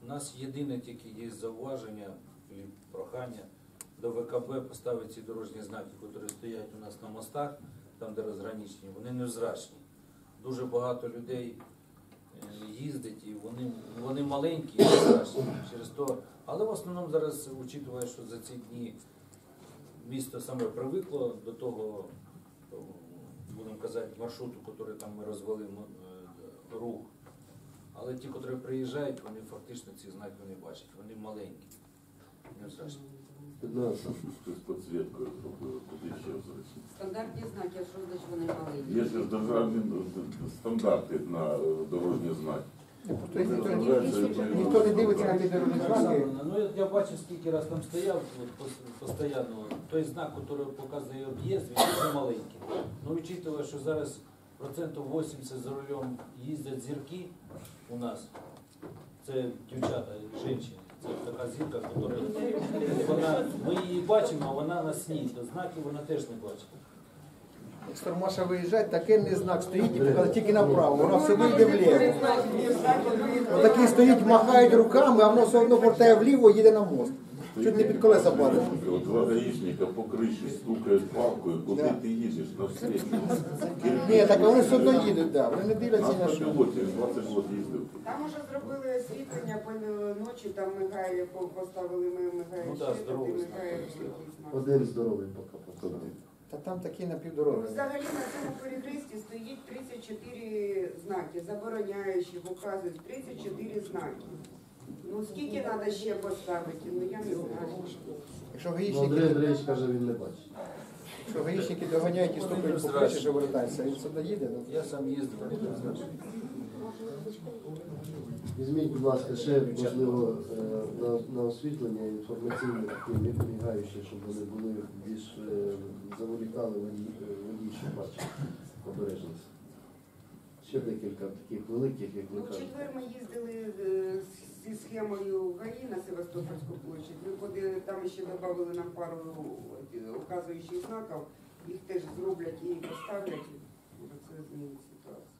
нас єдине тільки є зауваження і прохання до ВКБ поставити ці дорожні знаки, які стоять у нас на мостах, там де розграничені, вони невзрачні. Дуже багато людей їздить і вони маленькі і невзрачні через то. Але в основному зараз, учитывая, що за ці дні місто саме привикло до того, будемо казати, маршруту, який там ми розвели рух. Але ті, які приїжджають, вони фактично ці знаки не бачать, вони маленькі, невзрачні. З підсвіткою куди ще зручно. Стандартні знаки, а що значить вони маленькі? Є ж державні стандарти на дорожні знаки. Ніхто не дивиться на ті дорожні знаки. Ну, я бачив, скільки раз там стояв, постійно, той знак, який показує об'їзд, він дуже маленький. Ну, учитывая, що зараз 80% за рулем їздять зірки у нас, це дівчата, жінки. Це така зірка, яка ми її бачимо, а вона на сні, то знаки вона теж не бачить. Як Стормаша виїжджає, такий знак стоїть і показує тільки направо, вона все вийде вліво. Отакий стоїть, махають руками, а воно все одно повертає вліво і їде на мост. Чуть не під колеса падає. Два гаїшника по криші стукають палкою, куди ти їдеш, на встречу. Ні, так вони все одно їдуть, да. Вони не дивляться на що. 20 років їздив. Там уже зробили освітлення, по ночі там мигає, поставили мигає Ну, да, світло, здоровий і знак. мигає знак. Один здоровий поки показав. Та там такі напівдороги. Взагалі на цьому перехресті стоїть 34 знаки, забороняючі, вказують 34 знаки. Ну скільки треба ще поставити, ну я не знаю. Якщо Андрій гаїчники, Андрійович каже, він не бачить. якщо гаїчники доганяють і стукають по криші, що вертаються, він сюди їде. Ну. Я сам їздив, вони не знають. Візьміть, будь ласка, ще, можливо, на освітлення інформаційні такі мігаючі, щоб вони були більш заволікали водій, щоб бачив обережність. Ще декілька таких великих, як ви Ну, в кажете. четвер ми їздили зі схемою ГАІ на Севастопольську площадь. Ми там ще додали нам пару указуючих знаків, їх теж зроблять і поставлять, і це змінить ситуацію.